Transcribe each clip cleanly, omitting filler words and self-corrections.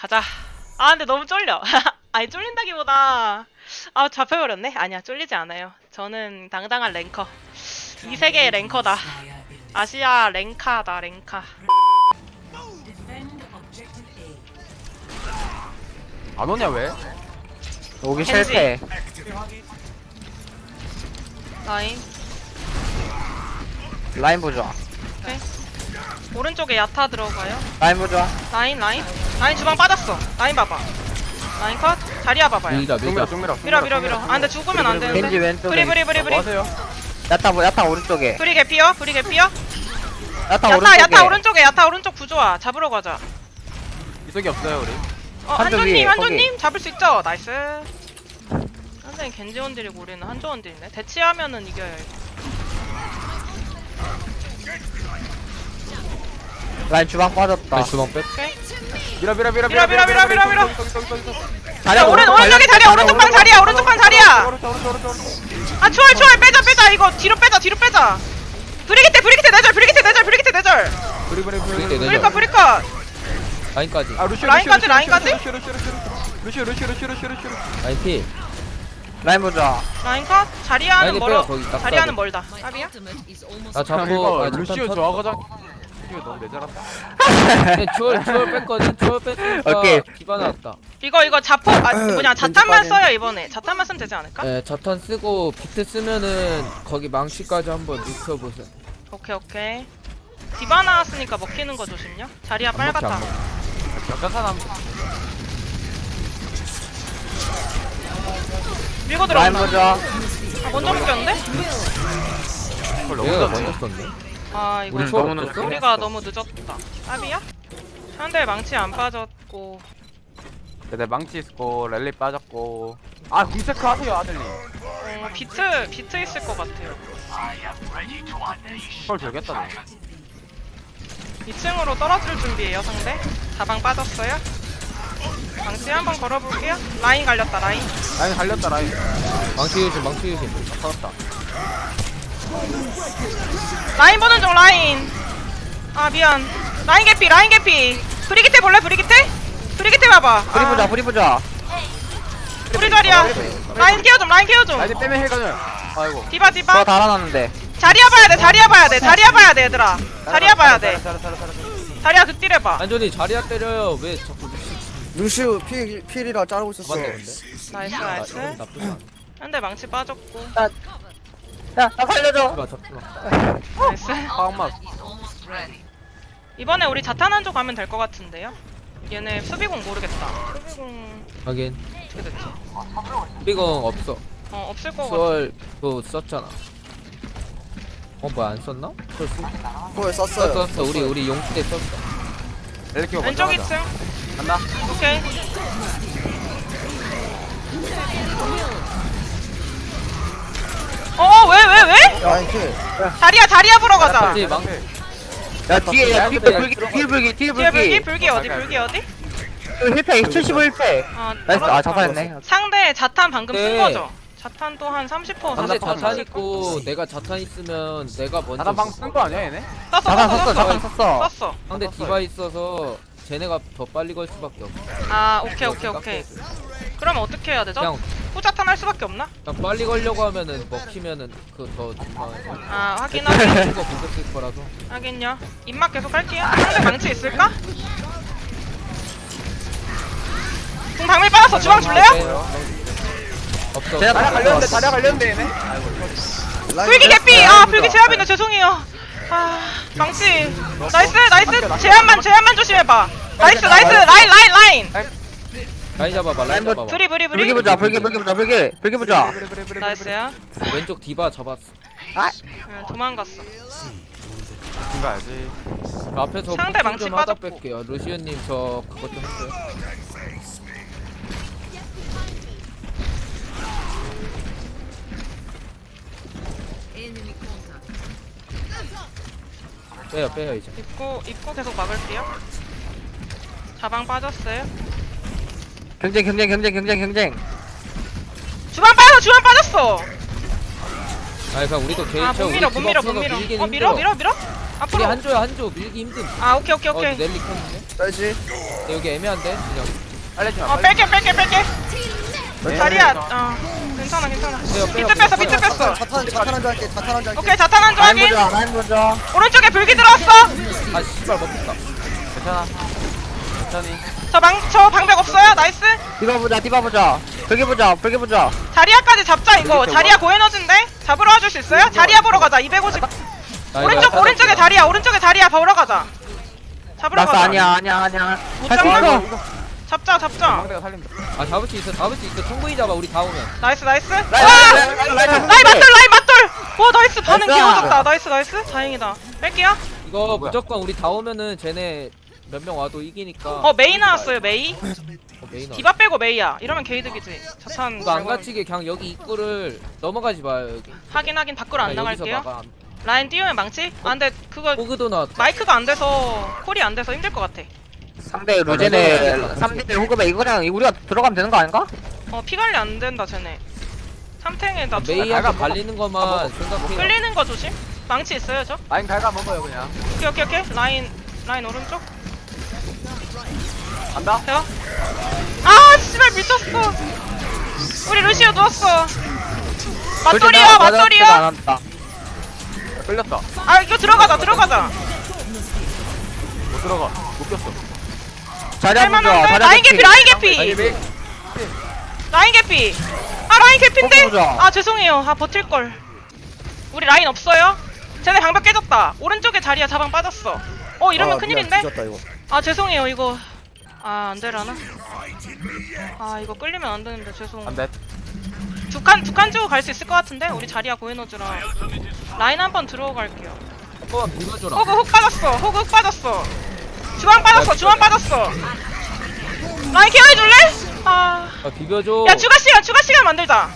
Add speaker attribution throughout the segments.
Speaker 1: 가자. 아 근데 너무 쫄려. 아니 쫄린다기보다 아 잡혀버렸네. 아니야 쫄리지 않아요. 저는 당당한 랭커. 이 세계의 랭커다. 아시아 랭카다 랭카.
Speaker 2: 안 오냐 왜?
Speaker 3: 오기
Speaker 1: 겐지.
Speaker 3: 실패.
Speaker 1: 라인.
Speaker 3: 라인 보자.
Speaker 1: 오케이. 오른쪽에 야타 들어가요.
Speaker 3: 라인 보자.
Speaker 1: 라인 주방 빠졌어. 라인 봐봐. 라인 컷. 자리야 봐봐요.
Speaker 4: 밀자 밀자.
Speaker 2: 종밀어
Speaker 1: 밀어. 아 근데 죽으면 안
Speaker 3: 겐지
Speaker 1: 되는데.
Speaker 3: 왼쪽에.
Speaker 1: 브리.
Speaker 2: 뭐 하세요?
Speaker 3: 야타 오른쪽에.
Speaker 1: 브리 개피어.
Speaker 3: 야타 오른쪽에.
Speaker 1: 야타 오른쪽 구조아. 잡으러 가자.
Speaker 2: 이쪽이 없어요 우리.
Speaker 3: 한조 위에,
Speaker 1: 한조님 잡을 수 있죠? 나이스. 선생님 겐지 원딜이고 우리는 한조 원딜이네. 대치하면은 이겨요 이거.
Speaker 3: 라인 주방 빠졌다.
Speaker 4: 다시 주방 뺐.
Speaker 1: 오케이.
Speaker 2: 밀어.
Speaker 1: 밀어.
Speaker 3: 자리야
Speaker 1: 오른쪽에 자리야. 오른쪽 방 자리야.
Speaker 2: 오른쪽.
Speaker 1: 아 초월 빼자. 이거 뒤로 빼자. 브리기테 내절.
Speaker 4: 브리게
Speaker 1: 브리커.
Speaker 4: 라인까지.
Speaker 2: 아 루시오.
Speaker 1: 라인까지?
Speaker 2: 루시오.
Speaker 4: 라인 피.
Speaker 3: 라인 보자.
Speaker 1: 라인 컷. 자리야는
Speaker 4: 라인이
Speaker 1: 멀어.
Speaker 4: 빼요, 거기 딱
Speaker 1: 자리야는
Speaker 4: 봐도.
Speaker 1: 멀다. 깝이야?
Speaker 4: 나
Speaker 2: 형
Speaker 4: 잡고
Speaker 2: 이거
Speaker 4: 아,
Speaker 2: 루시오
Speaker 4: 잠깐
Speaker 2: 저하고장. 루시오 너무 내잘한다.
Speaker 4: 네, 추월 뺐거든. 추월 뺐으니까
Speaker 3: 오케이.
Speaker 4: 기반 나왔다.
Speaker 1: 이거 자폭 자탄만 써요 이번에. 자탄만 쓰면 되지 않을까?
Speaker 4: 네, 자탄 쓰고 비트 쓰면은 거기 망치까지 한번 눕혀보세요.
Speaker 1: 오케이. 디바 나왔으니까 먹히는 거 조심요. 자리야
Speaker 4: 안 먹혀,
Speaker 1: 빨갛다.
Speaker 4: 안 먹혀.
Speaker 2: 역전산 한.
Speaker 1: 밀고
Speaker 3: 라인
Speaker 1: 들어온다.
Speaker 3: 보자.
Speaker 1: 아, 먼저 묶였는데?
Speaker 2: 그걸
Speaker 4: 얘가
Speaker 2: 너무
Speaker 4: 먼저
Speaker 2: 늦었네.
Speaker 4: 썼네.
Speaker 1: 아 이거
Speaker 4: 우리
Speaker 2: 너무
Speaker 4: 추월
Speaker 2: 늦었어?
Speaker 4: 없었어?
Speaker 1: 우리가 너무 늦었다. 깝이야? 상대 망치 안 빠졌고.
Speaker 2: 내 망치 있고 랠리 빠졌고. 아 궁체크 하세요 아들님.
Speaker 1: 비트 있을 것 같아요.
Speaker 2: 헐 돌겠다 너.
Speaker 1: 2층으로 떨어질 준비해요 상대. 자방 빠졌어요. 망치 한번 걸어볼게요. 라인 갈렸다 라인.
Speaker 2: 라인 갈렸다 라인.
Speaker 4: 망치 유심.
Speaker 2: 터졌다.
Speaker 1: 라인 보는 중 라인. 아 미안. 라인 개피. 브리기테 볼래 브리기테 봐봐.
Speaker 3: 브리 보자.
Speaker 1: 브리 자리야. 라인 케어 좀.
Speaker 2: 라인 빼면 힐가냐. 아이고.
Speaker 1: 디바.
Speaker 3: 저 달아놨는데.
Speaker 1: 자리야 봐야 돼 얘들아. 자리야 봐야 돼.
Speaker 2: 잘해.
Speaker 1: 자리야 극딜해봐.
Speaker 4: 안전히 자리야 때려요. 왜 자꾸
Speaker 5: 루시우 필이라 자르고 있었어.
Speaker 4: 맞네 근데.
Speaker 1: 나이스.
Speaker 4: 나쁘지 않아.
Speaker 1: 한대 망치 빠졌고.
Speaker 3: 야, 나 살려줘.
Speaker 4: 잡지마.
Speaker 1: 나이스.
Speaker 2: 빵맛.
Speaker 1: 이번에 우리 자탄 한조 가면 될 것 같은데요? 얘네 수비공 모르겠다. 수비공
Speaker 4: 하긴.
Speaker 1: 어떻게 됐지?
Speaker 4: 삐공 없어.
Speaker 1: 없을 것 같아.
Speaker 4: 추월 그거 썼잖아. 뭐야 안 썼나?
Speaker 5: 그걸 썼어요.
Speaker 4: 썼어. 우리 용기 때 썼어.
Speaker 2: 랠리 키고
Speaker 1: 왼쪽
Speaker 2: 먼저 가자.
Speaker 1: 2층.
Speaker 2: 간다.
Speaker 1: 오케이. 왜?
Speaker 5: 라인 필.
Speaker 1: 자리야 보러 가자.
Speaker 4: 갑자기 망.
Speaker 3: 야, 뒤에 불기.
Speaker 1: 뒤에 불기 어디?
Speaker 3: 힐팩 75 힐팩. 나이스. 아, 자살했네.
Speaker 1: 상대 자탄 방금 쓴
Speaker 4: 네.
Speaker 1: 거죠? 자탄 또 한 30%
Speaker 4: 상대
Speaker 1: 40%
Speaker 4: 자탄 있고 내가 자탄 있으면 내가 먼저
Speaker 2: 나랑 방쓴거 아니야 얘네?
Speaker 3: 자탄 썼어.
Speaker 1: 썼어.
Speaker 4: 상대 디바 있어서 쟤네가 더 빨리 걸 수밖에 없어.
Speaker 1: 아 오케이. 그럼 어떻게 해야 되죠?
Speaker 4: 그냥
Speaker 1: 후자탄 할 수밖에 없나?
Speaker 4: 빨리 걸려고 하면은 먹히면은 그더 중요해.
Speaker 1: 아 확인.
Speaker 4: 이거 공격 쓸 거라서.
Speaker 1: 하긴요. 입맛 계속 할게요. 상대 망치 있을까? 공 방밀 빠졌어. 주방 줄래요?
Speaker 4: 없어.
Speaker 3: 제가
Speaker 2: 다리야 갈렸는데 얘네.
Speaker 5: 라인
Speaker 1: 불기
Speaker 5: 필.
Speaker 1: 개피! 아 불기 제압이네. 죄송해요. 아 망치. 나이스. 제압만 조심해봐. 나이스. 라인.
Speaker 4: 라인 잡아봐. 라인 잡아봐.
Speaker 1: 브리.
Speaker 3: 불기 보자.
Speaker 1: 나이스야.
Speaker 4: 왼쪽 디바 잡았어.
Speaker 1: 도망갔어.
Speaker 2: 가야지.
Speaker 4: 앞에서
Speaker 1: 상대
Speaker 4: 포킹
Speaker 1: 망치
Speaker 4: 좀 하다
Speaker 1: 빠졌고.
Speaker 4: 뺄게요. 루시언님 저 그것 좀 했어요. 빼요 이제.
Speaker 1: 입구 계속 막을게요. 자방 빠졌어요.
Speaker 3: 경쟁.
Speaker 1: 주방 빠졌어.
Speaker 4: 아니 그냥 우리도 개인
Speaker 1: 못 밀어. 밀어.
Speaker 4: 밀긴
Speaker 1: 밀어.
Speaker 4: 힘들어. 우리
Speaker 1: 앞으로.
Speaker 4: 한조 밀기 힘듦.
Speaker 1: 아 오케이.
Speaker 4: 넬리 켰는데?
Speaker 5: 빼지.
Speaker 4: 여기 애매한데 그냥.
Speaker 2: 빨리 좀.
Speaker 1: 어 뺄게.
Speaker 2: 네.
Speaker 1: 자리야. 괜찮아.
Speaker 4: 빼요,
Speaker 1: 비트 뺐어.
Speaker 5: 자탄 한줄 할게. 자탄 한줄 할게.
Speaker 1: 오케이 자탄 한조
Speaker 3: 라인
Speaker 1: 확인.
Speaker 3: 보자 라인 보자.
Speaker 1: 오른쪽에 불기 들어왔어.
Speaker 4: 아 씨발 먹혔다.
Speaker 2: 괜찮아. 천천히.
Speaker 1: 저 방벽 없어요. 나이스.
Speaker 3: 디바 보자. 불기 보자.
Speaker 1: 자리야까지 잡자 이거.
Speaker 2: 여기
Speaker 1: 자리야 고에너진데 잡으러 와줄 수 있어요? 자리야 보러 가자. 250. 오른쪽에 자리야 보러 가자. 잡으러
Speaker 3: 나스
Speaker 1: 가자.
Speaker 3: 아니야.
Speaker 1: 못
Speaker 3: 할 수
Speaker 1: 잡나?
Speaker 3: 있어.
Speaker 1: 잡자.
Speaker 2: 망대가 살린다.
Speaker 4: 아 잡을 수 있어. 충분히 잡아. 우리 다 오면.
Speaker 1: 나이스. 와!
Speaker 3: 라인
Speaker 1: 라인 맞돌! 와 나이스 반응
Speaker 3: 나이스.
Speaker 1: 귀여워졌다. 나이스. 다행이다. 뺄게요.
Speaker 4: 이거
Speaker 2: 뭐야?
Speaker 4: 무조건 우리 다 오면은 쟤네 몇 명 와도 이기니까.
Speaker 1: 메이 나왔어요 메이.
Speaker 4: 메인 와.
Speaker 1: 디바 빼고 메이야. 이러면 게이득이지. 자탄
Speaker 4: 이거 안 갇히게 그냥 여기 입구를 넘어가지 마요 여기.
Speaker 1: 하긴 밖으로 안
Speaker 4: 그냥 여기서
Speaker 1: 나갈게요.
Speaker 4: 막아.
Speaker 1: 라인 띄우면 망치? 아 근데 그거
Speaker 4: 호그도 나왔다.
Speaker 1: 마이크가 안 돼서 콜이 안 돼서 힘들 것 같아.
Speaker 3: 상대 루젠의 3대 호급에 이거 그냥 우리가 들어가면 되는 거 아닌가?
Speaker 1: 피 관리 안 된다 쟤네. 삼탱에다
Speaker 4: 메이한테 발리는 것만 생각해.
Speaker 1: 끌리는 거 조심. 망치 있어요 저?
Speaker 2: 라인 갈가 먹어요 그냥.
Speaker 1: 오케이. 라인 오른쪽.
Speaker 2: 간다.
Speaker 1: 돼요? 아 씨발 미쳤어. 우리 루시오 누웠어. 맞돌이요.
Speaker 3: 안 한다.
Speaker 2: 끌렸다.
Speaker 1: 아 이거 들어가자.
Speaker 2: 못 들어가. 못 꼈어.
Speaker 3: 자리야 보자.
Speaker 1: 할만한데? 라인 개피.
Speaker 2: 아니
Speaker 1: 라인 개피. 아 라인 개피인데?
Speaker 3: 보자.
Speaker 1: 아 죄송해요. 아 버틸걸. 우리 라인 없어요? 쟤네 방벽 깨졌다. 오른쪽에 자리야 자방 빠졌어. 이러면 큰일인데?
Speaker 5: 뒤졌다 이거.
Speaker 1: 아 죄송해요 이거. 아 안되려나? 아 이거 끌리면 안되는데 죄송.
Speaker 2: 안돼.
Speaker 1: 두 칸 주고 갈 수 있을 것 같은데? 우리 자리야 고에너즈랑 라인 한번 들어오고 갈게요.
Speaker 4: 한번 밀어줘라.
Speaker 1: 호그 훅 빠졌어. 주방 빠졌어. 라인 케어해줄래? 아
Speaker 4: 비벼줘.
Speaker 1: 야 추가 시간 만들자.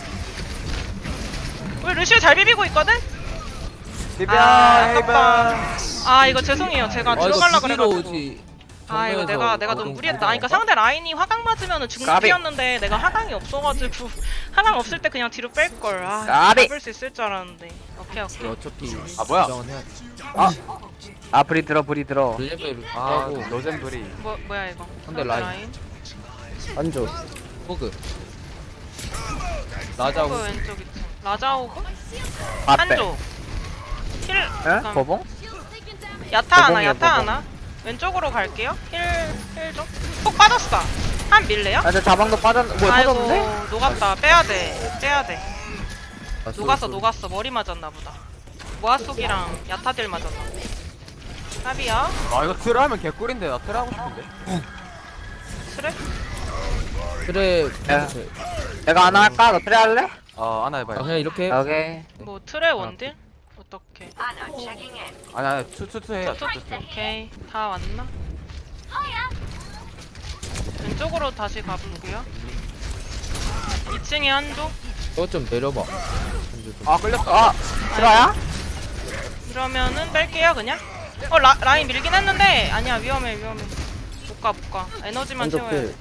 Speaker 1: 우리 루시오 잘 비비고 있거든?
Speaker 2: 디바
Speaker 1: 아깝다.
Speaker 2: 헤이븐.
Speaker 1: 아 이거 죄송해요. 제가 들어갈라 그래가지고.
Speaker 4: 오지.
Speaker 1: 아 이거 내가 너무 무리했다. 아니, 그러니까 상대 라인이 화강 맞으면은 중립이었는데 내가 화강이 없어가지고 화강 없을 때 그냥 뒤로 뺄 걸. 아
Speaker 3: 까비.
Speaker 1: 잡을 수 있을 줄 알았는데. 오케이.
Speaker 4: 어차피
Speaker 2: 아, 뭐야?
Speaker 4: 고정은 해야 돼.
Speaker 3: 불이 들어.
Speaker 4: 릴레벨
Speaker 2: 아
Speaker 4: 하고
Speaker 2: 로젠브리.
Speaker 1: 뭐야 이거?
Speaker 4: 상대 라인.
Speaker 5: 안줘.
Speaker 4: 호그. 라자
Speaker 1: 호그
Speaker 4: 호그.
Speaker 1: 왼쪽 2층. 라자 호그?
Speaker 3: 앞에.
Speaker 1: 한쪽. 힐.
Speaker 3: 에?
Speaker 1: 잠깐.
Speaker 3: 거봉?
Speaker 1: 야타
Speaker 3: 거봉이야,
Speaker 1: 하나. 왼쪽으로 갈게요. 힐 좀. 폭 빠졌어. 한 밀래요?
Speaker 3: 저 자방도 뭐야
Speaker 1: 아이고
Speaker 3: 터졌는데?
Speaker 1: 녹았다. 빼야 돼. 녹았어. 머리 맞았나 보다. 모아속이랑 야타딜 맞았나. 탑이야.
Speaker 2: 아 이거 트를 하면 개꿀인데 나 트를 하고 싶은데.
Speaker 1: 그래?
Speaker 4: 그래.
Speaker 3: 야. 내가 하나 할까? 너 트레 할래?
Speaker 2: 하나 해봐요.
Speaker 4: 그냥 이렇게.
Speaker 3: 오케이.
Speaker 1: 뭐 트레 원딜? 어떻게?
Speaker 2: 아니 투투 해요. 투투.
Speaker 1: 오케이. 다 왔나? 왼쪽으로 다시 가볼게요. 2층에 한조.
Speaker 4: 저좀 내려봐.
Speaker 2: 아 끌렸어.
Speaker 3: 트라야?
Speaker 1: 이러면은 뺄게요 그냥. 라인 밀긴 했는데 아니야 위험해. 못 가. 에너지만
Speaker 5: 안줘
Speaker 1: 채워야
Speaker 5: 필.
Speaker 1: 돼.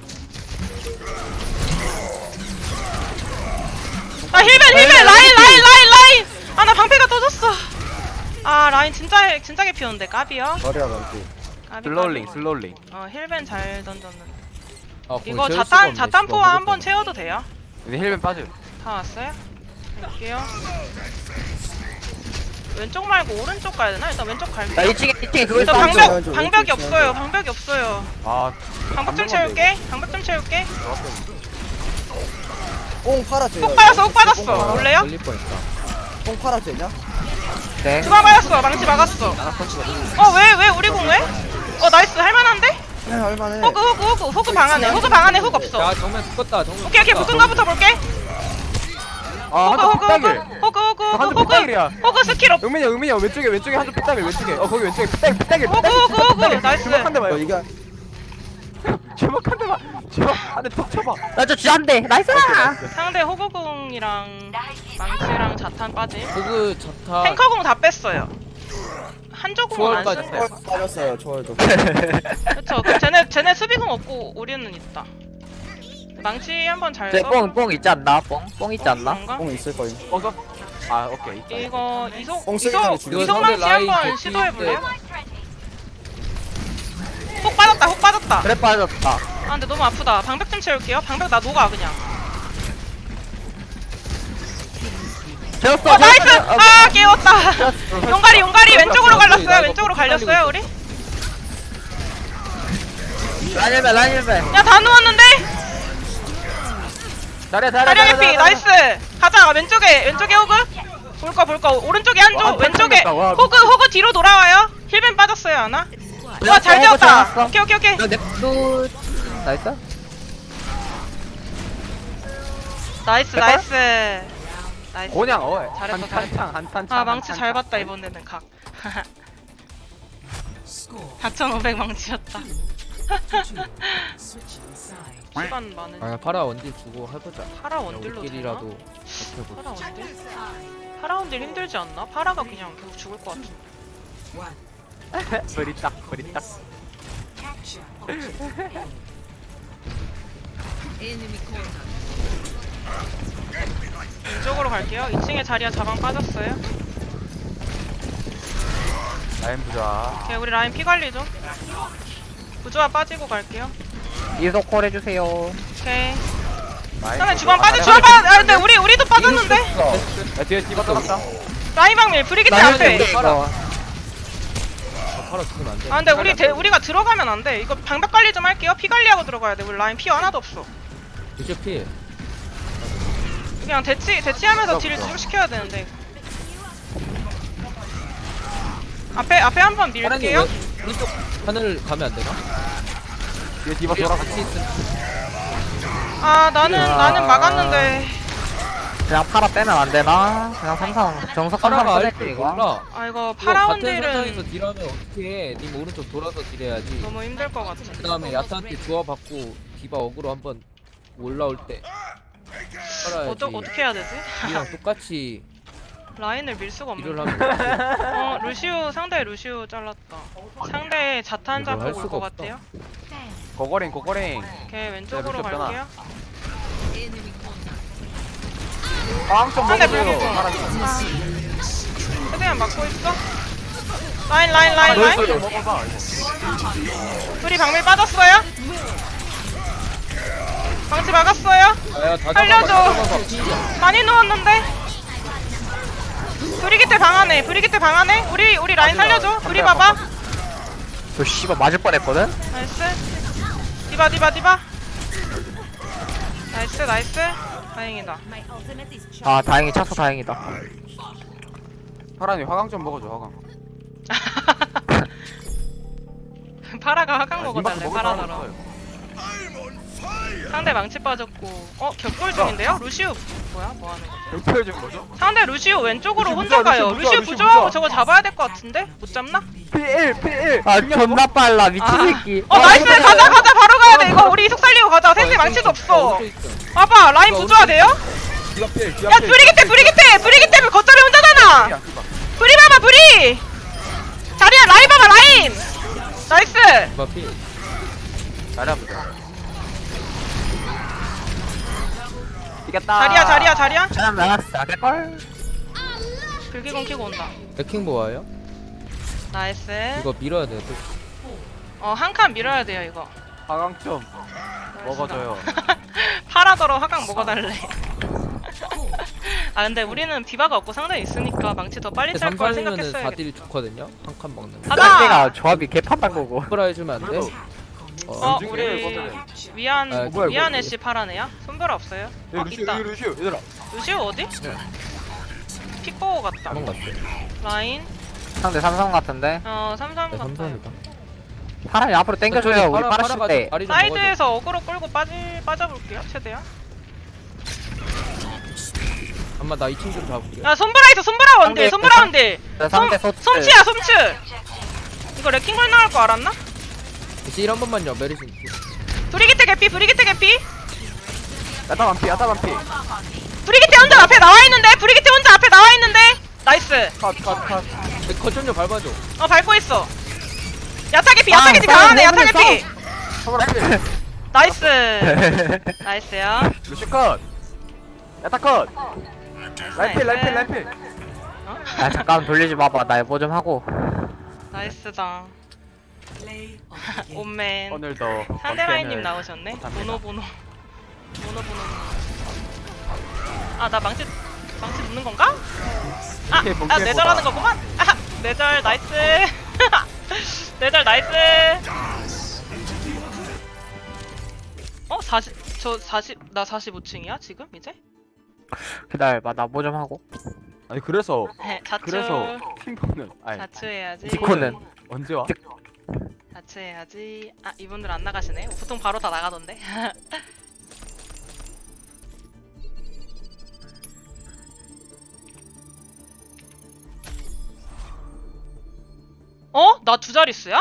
Speaker 1: 아 힐벤 라인. 아 나 방패가 터졌어. 아 라인 진짜 개피였는데 까비요.
Speaker 5: 자리야 만피.
Speaker 2: 슬로울링.
Speaker 1: 힐벤 잘 던졌는데.
Speaker 4: 아,
Speaker 1: 이거 자탄포화 한번 채워도 돼요?
Speaker 2: 근데 힐벤 빠져.
Speaker 1: 다 왔어요? 갈게요. 왼쪽 말고 오른쪽 가야 되나? 일단 왼쪽
Speaker 3: 나
Speaker 1: 갈게요.
Speaker 3: 2층에 그거
Speaker 1: 저
Speaker 3: 있어.
Speaker 5: 방벽!
Speaker 1: 방벽이 없어요.
Speaker 2: 아
Speaker 1: 방벽 좀 채울게.
Speaker 5: 뽕 팔아줘요.
Speaker 1: 훅 빠졌어. 올래요?
Speaker 4: 걸릴 뻔했다.
Speaker 5: 뽕 팔아줘냐?
Speaker 3: 네.
Speaker 1: 주방 맞았어. 망치 막았어. 왜 우리 공 왜? 나이스 할만한데?
Speaker 5: 네 할만해.
Speaker 1: 호그 방 안에 훅 없어.
Speaker 4: 야 정면 죽었다. 정면.
Speaker 1: 오케이 붙은 거부터 볼게.
Speaker 2: 한쪽 핏다길. 한쪽 핏다길이야.
Speaker 1: 호그 스킬 없.
Speaker 2: 은민이 형 왼쪽에 한쪽 핏다길 왼쪽에. 거기 왼쪽에 핏다길.
Speaker 1: 호그 나이스.
Speaker 2: 주먹 한 대만.
Speaker 5: 이게
Speaker 2: 주먹 한 대만. 주먹 한대 톡 쳐봐.
Speaker 3: 나저 쥐한대. 나이스!
Speaker 1: 상대 호그공이랑 망치랑 자탄 빠짐.
Speaker 4: 호그 자타.
Speaker 1: 탱커공 다 뺐어요. 한조공은 안
Speaker 4: 초월까지
Speaker 1: 쓴대.
Speaker 5: 빠졌어요. 초월도.
Speaker 1: 그쵸. 그럼 쟤네 수비공 없고 우리는 있다. 망치 한번 잘 써.
Speaker 3: 뽕 있지 않나? 뽕 있지 않나?
Speaker 1: 그런가?
Speaker 5: 뽕 있을 거임.
Speaker 2: 어서. 아 오케이.
Speaker 1: 이거 이속
Speaker 5: 뽕 쓰기 전에
Speaker 1: 이속
Speaker 5: 죽여.
Speaker 1: 이속 망치
Speaker 4: 라인
Speaker 1: 한번
Speaker 4: 개피
Speaker 1: 시도해 볼래요? 혹 빠졌다 혹 빠졌다.
Speaker 3: 그래 빠졌다.
Speaker 1: 아 근데 너무 아프다. 방벽 좀 채울게요. 방벽 나 녹아 그냥.
Speaker 3: 재웠어.
Speaker 1: 나이스! 아 깨웠다. 용가리 왼쪽으로 갈렸어요. 왼쪽으로 갈렸어요 우리.
Speaker 3: 라인벨.
Speaker 1: 야 다 누웠는데?
Speaker 2: 잘해
Speaker 1: 다리 해피 나이스. 가자 왼쪽에 호그. 볼 거 오른쪽에 한조
Speaker 2: 와,
Speaker 1: 왼쪽에
Speaker 2: 깜짝이야. 와,
Speaker 1: 호그 뒤로 돌아와요. 힐벤 빠졌어요 하나. 와 잘 되었다. 오케이.
Speaker 3: 냅도 나이스.
Speaker 1: 나이스.
Speaker 2: 그냥
Speaker 1: 잘했어,
Speaker 2: 한탄창
Speaker 1: 아 망치 잘 봤다 이번에는 각. 4,500 망치였다. 시간 많은.
Speaker 4: 아 파라 원딜 주고 해보자.
Speaker 1: 파라 원딜로 되나?
Speaker 4: 우리끼리라도 해보자.
Speaker 1: 파라 원딜? 파라 원딜 힘들지 않나? 파라가 그냥 계속 죽을 것 같은데.
Speaker 2: 브리딱
Speaker 1: 왼쪽으로 갈게요. 2층에 자리야 자방 빠졌어요.
Speaker 2: 라인 부자.
Speaker 1: 오케이 우리 라인 피 관리 좀. 부조화 빠지고 갈게요.
Speaker 3: 이속 콜 해주세요.
Speaker 1: 오케이.
Speaker 2: 라인
Speaker 1: 그다음에
Speaker 2: 부자.
Speaker 1: 주방 아 근데 우리도 빠졌는데?
Speaker 2: 야 뒤에 디바 떨었다.
Speaker 1: 라인 방밀 브리기트 앞에.
Speaker 3: 이거
Speaker 4: 파라 죽으면 안 돼.
Speaker 1: 아 근데 우리가 들어가면 안 돼. 이거 방벽 관리 좀 할게요. 피 관리하고 들어가야 돼. 우리 라인 피 하나도 없어.
Speaker 4: 루시오 필.
Speaker 1: 그냥 대치하면서 딜을 쭉 시켜야 되는데. 앞에 한번
Speaker 4: 파라님
Speaker 1: 밀게요.
Speaker 4: 왜 오른쪽 하늘 가면 안 되나?
Speaker 2: 뒤에 디바 돌아갔어.
Speaker 4: 같이 있으면
Speaker 1: 아 나는 막았는데.
Speaker 3: 그냥 파라 빼면 안 되나? 그냥 삼성 정석
Speaker 4: 파라가
Speaker 3: 삼성
Speaker 4: 알줄
Speaker 3: 빼낼게 이거.
Speaker 4: 몰라.
Speaker 1: 아 이거
Speaker 4: 이거
Speaker 1: 파라
Speaker 4: 같은 선상에서
Speaker 1: 원딜은
Speaker 4: 딜하면 어떻게 해? 님 오른쪽 돌아서 딜해야지.
Speaker 1: 너무 힘들 것 같아.
Speaker 4: 그 다음에 야타한테 주워 받고 디바 어그로 한번 올라올 때 팔아야지.
Speaker 1: 어떻게 해야 되지?
Speaker 4: 우리랑 똑같이
Speaker 1: 라인을 밀 수가
Speaker 4: 딜을
Speaker 1: 없는데.
Speaker 4: 하면
Speaker 1: 루시우 상대 루시우 잘랐다. 상대 자탄
Speaker 4: 이걸 할
Speaker 1: 잡고 올
Speaker 4: 수가
Speaker 1: 것
Speaker 4: 없다.
Speaker 1: 같아요.
Speaker 2: 고고링.
Speaker 1: 오케이 왼쪽으로
Speaker 2: 네, 루시우 없잖아.
Speaker 1: 갈게요.
Speaker 2: 빵좀
Speaker 1: 상대
Speaker 2: 먹어줘.
Speaker 1: 불기고. 최대한 막고 있어. 라인.
Speaker 2: 좀 먹어봐.
Speaker 1: 둘이 방밀 빠졌어요. 방치 막았어요.
Speaker 4: 아야 다
Speaker 1: 살려줘.
Speaker 4: 잡아봐.
Speaker 1: 많이 누웠는데. 브리기테 방 안에. 우리 라인 살려줘. 우리 봐봐.
Speaker 3: 저 씨발 맞을 뻔했거든.
Speaker 1: 나이스. 디바. 나이스. 다행이다.
Speaker 3: 아 다행히 차서 다행이다.
Speaker 2: 파란이 화강 좀 먹어줘. 화강.
Speaker 1: 파라가 화강
Speaker 2: 아,
Speaker 1: 먹어달래.
Speaker 2: 니마크 먹을 사람
Speaker 1: 파라더러.
Speaker 2: 없어요.
Speaker 1: 상대 망치 빠졌고. 격돌 중인데요? 루시우 뭐야? 뭐 하는 거지?
Speaker 2: 경찰 좀 뭐죠?
Speaker 1: 상대 루시우 왼쪽으로
Speaker 2: 루시우
Speaker 1: 혼자
Speaker 2: 부조화,
Speaker 1: 가요.
Speaker 2: 루시우
Speaker 1: 루시우
Speaker 2: 부조화,
Speaker 1: 부조하고
Speaker 2: 루시우
Speaker 1: 저거 잡아야 될 것 같은데? 못 잡나?
Speaker 2: P1.
Speaker 3: 아 존나 빨라 미친 새끼.
Speaker 1: 나이스. 가자. 바로 가야 돼. 이거 우리 이속 살리고 가자. 샌디 망치도 없어. 봐봐. 라인 부조화 돼요?
Speaker 2: 디바 필.
Speaker 1: 야 브리기테 겉절이 혼자잖아. 브리 봐봐 브리. 자리야 라인 봐봐 라인. 나이스.
Speaker 4: 디바 필.
Speaker 2: 잘해보자. 이겼다.
Speaker 1: 자리야.
Speaker 3: 저는 나갔어. 걸.
Speaker 1: 불기공 키고 온다.
Speaker 4: 레킹 보아요?
Speaker 1: 나이스.
Speaker 4: 이거 밀어야 돼.
Speaker 1: 한 칸 밀어야 돼요 이거.
Speaker 2: 화강 좀 먹어줘요.
Speaker 1: 파라더러 화강 먹어달래. 아 근데 우리는 디바가 없고 상대 있으니까 망치 더 빨리 짤 걸
Speaker 4: 3살이면은
Speaker 1: 생각했어요.
Speaker 4: 4딜 좋거든요. 한 칸 먹는 거.
Speaker 1: 가자.
Speaker 3: 상대가 조합이 개판단 거고.
Speaker 4: 손브라 해주면 안 돼?
Speaker 2: 나중에
Speaker 1: 우리
Speaker 2: 먹어야
Speaker 1: 위안
Speaker 4: 아,
Speaker 2: 뭐야,
Speaker 1: 위안
Speaker 2: 이거.
Speaker 1: 애쉬 파라네야? 손별 없어요? 있다.
Speaker 2: 루시우 얘들아.
Speaker 1: 루시우 어디? 픽보고 갔다.
Speaker 4: 도망갔어.
Speaker 1: 라인.
Speaker 3: 상대 삼성 같은데.
Speaker 1: 삼삼
Speaker 4: 네,
Speaker 1: 같아요.
Speaker 4: 삼성이다.
Speaker 3: 파란이 앞으로 당겨줘요. 우리 파라 칠 때.
Speaker 4: 다리 좀 먹어줘.
Speaker 1: 사이드에서 어그로 끌고 빠져볼게요 최대한.
Speaker 4: 엄마 나 2층 좀 잡을게.
Speaker 1: 야 손브라 있어. 손브라 원딜.
Speaker 3: 상대 소츠.
Speaker 1: 솜치야 솜치. 이거 레킹볼 나올 거 알았나?
Speaker 4: 딜 한 번만요. 메르신.
Speaker 1: 브리기테 개피.
Speaker 2: 야타 반피.
Speaker 1: 브리기테 혼자 앞에 나와 있는데. 나이스.
Speaker 2: 컷.
Speaker 4: 거점 좀 밟아줘.
Speaker 1: 밟고 있어. 야타 개피 강하네. 야타 개피. 나이스. 나이스요.
Speaker 2: 루시우 컷. 야타 컷. 라인필.
Speaker 3: 아 잠깐 돌리지 마봐. 나 뭐 좀 하고.
Speaker 1: 나이스다. 오맨.
Speaker 2: 오늘도
Speaker 1: 상대라인님
Speaker 2: 번텐을
Speaker 1: 나오셨네.
Speaker 2: 못합니다.
Speaker 1: 보노. 아, 나 망치 눕는 건가? 아,
Speaker 2: 이게
Speaker 1: 아
Speaker 2: 본캐보다.
Speaker 1: 내절하는 거구만. 아, 내절 나이스. 내절 나이스. 40, 나 45층이야 지금 이제?
Speaker 3: 기다려봐 나 뭐 좀 하고.
Speaker 2: 아니 그래서
Speaker 1: 자추.
Speaker 2: 그래서 핑퐁은 아니
Speaker 1: 자추해야지.
Speaker 3: 디코는
Speaker 2: 언제 와?
Speaker 1: 자추해야지. 아, 이분들 안 나가시네. 보통 바로 다 나가던데. 어? 나 두 자릿수야?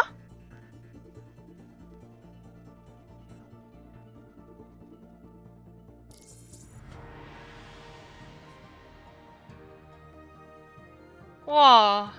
Speaker 1: 와.